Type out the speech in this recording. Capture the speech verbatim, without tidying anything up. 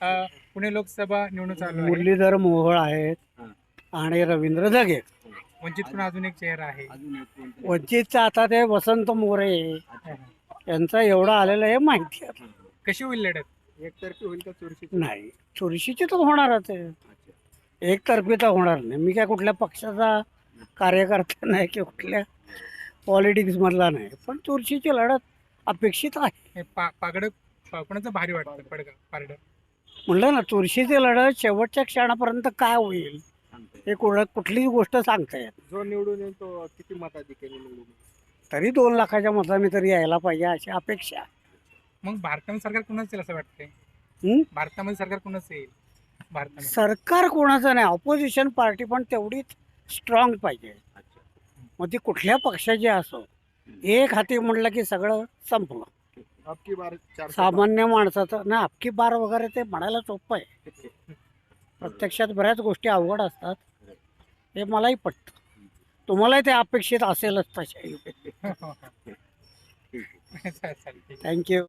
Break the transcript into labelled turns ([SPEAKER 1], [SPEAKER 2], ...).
[SPEAKER 1] अ, पुणे लोकसभा निवडणूक चालू आहे.
[SPEAKER 2] मुरलीधर मोहोळ आहेत
[SPEAKER 3] हां.
[SPEAKER 2] आणि रवींद्र जगे.
[SPEAKER 1] वंचित पण अजून एक चेहरा आहे.
[SPEAKER 3] अजून एक कोणतरी.
[SPEAKER 2] वंचितचा आता ते वसंत मोरे
[SPEAKER 3] अच्छा.
[SPEAKER 2] यांचा एवढं आलेलं हे माहिती आहे.
[SPEAKER 1] कशी होईल लढत?
[SPEAKER 3] एकतर्फी होईल का चुरशी?
[SPEAKER 2] नाही, चुरशीची तर होणारच आहे.
[SPEAKER 3] अच्छा.
[SPEAKER 2] एकतर्फी तर होणार नाही. मी काय कुठल्या पक्षाचा कार्यकर्ता नाही की कुठल्या पॉलिटिक्स मधला नाही, पण चुरशीची लढत अपेक्षित आहे.
[SPEAKER 1] हे पा पागड पा- कोणाचं भारी वाटतं पडगा पारड?
[SPEAKER 2] म्हणलं ना, चुरशीची लढत शेवटच्या क्षणापर्यंत काय होईल
[SPEAKER 3] सांगता येईल.
[SPEAKER 2] हे कुठं कुठलीच गोष्ट सांगता येत.
[SPEAKER 3] जो निवडून येईल तो किती मताधिक्याने निवडून येईल?
[SPEAKER 2] तरी दोन लाखाच्या मताने तरी यायला पाहिजे अशी अपेक्षा.
[SPEAKER 1] मग भारतामध्ये सरकार कोणाचं येईल असं वाटतंय?
[SPEAKER 2] हं?
[SPEAKER 1] भारतामध्ये सरकार कोणाचं येईल भारतामध्ये?
[SPEAKER 2] सरकार कोणाचं नाही, ऑपोजिशन पार्टी पण तेवढीच स्ट्रॉंग पाहिजे.
[SPEAKER 3] अच्छा.
[SPEAKER 2] मग ती कुठल्या पक्षाची असो, एक हाती म्हटलं की सगळं संपलं.
[SPEAKER 3] अबकी बार चार
[SPEAKER 2] सामान्य माणसाचं ना अबकी बार वगैरे ते म्हणायला सोपं आहे. प्रत्यक्षात बऱ्याच गोष्टी अवघड असतात, हे मलाही पटतं. तुम्हालाही ते अपेक्षित असेलच तशा.
[SPEAKER 1] चालेल, ठीक आहे.
[SPEAKER 2] थँक्यू.